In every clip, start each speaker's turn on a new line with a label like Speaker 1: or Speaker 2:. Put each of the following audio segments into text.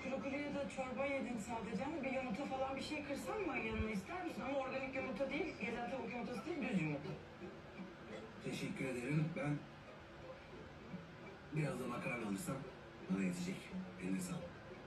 Speaker 1: kuru kuruya da çorba yedin sadece ama bir yumurta falan bir şey kırsan mı yanına ister misin? Ama organik yumurta değil, gezen tavuk yumurtası değil, düz yumurta.
Speaker 2: Teşekkür ederim. Ben biraz da makarna alırsam bana yetecek. Eline sağlık.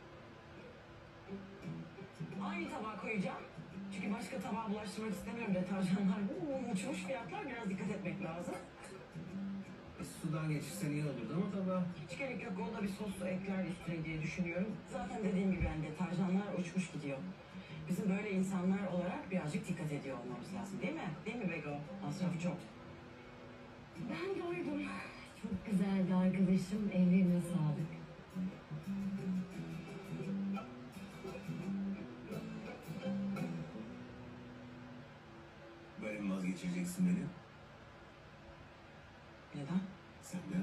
Speaker 1: Aynı tabağa koyacağım. Çünkü başka tabağa bulaştırmak istemiyorum deterjanlar. Uçmuş fiyatlar, biraz dikkat etmek lazım.
Speaker 2: Sudan geçirsen iyi olurdu ama tabii.
Speaker 1: Hiç gerek yok, onda bir sos ekler üstüne diye düşünüyorum. Zaten dediğim gibi yani deterjanlar uçmuş gidiyor. Bizim böyle insanlar olarak birazcık dikkat ediyor olmamız lazım değil mi? Değil mi Bego? Masrafı çok.
Speaker 3: Ben doydum. Çok güzeldi arkadaşım. Ellerine sağlık.
Speaker 2: Böyle mi vazgeçireceksin beni?
Speaker 1: Neden?
Speaker 2: Senden.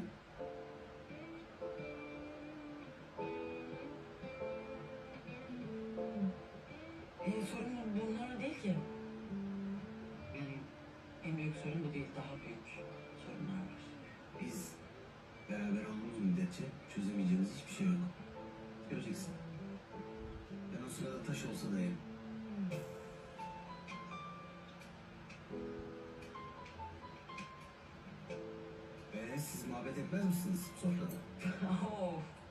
Speaker 1: Sorun bunlar değil ki. Yani en büyük sorun bu değil, daha büyük sorunlar var.
Speaker 2: Biz beraber olduğumuz müddetçe çözemeyeceğimiz hiçbir şey yok. Göreceksin. Ben o sırada taş olsa da yerim. Siz muhabbet etmez misiniz sofrada?
Speaker 1: Of.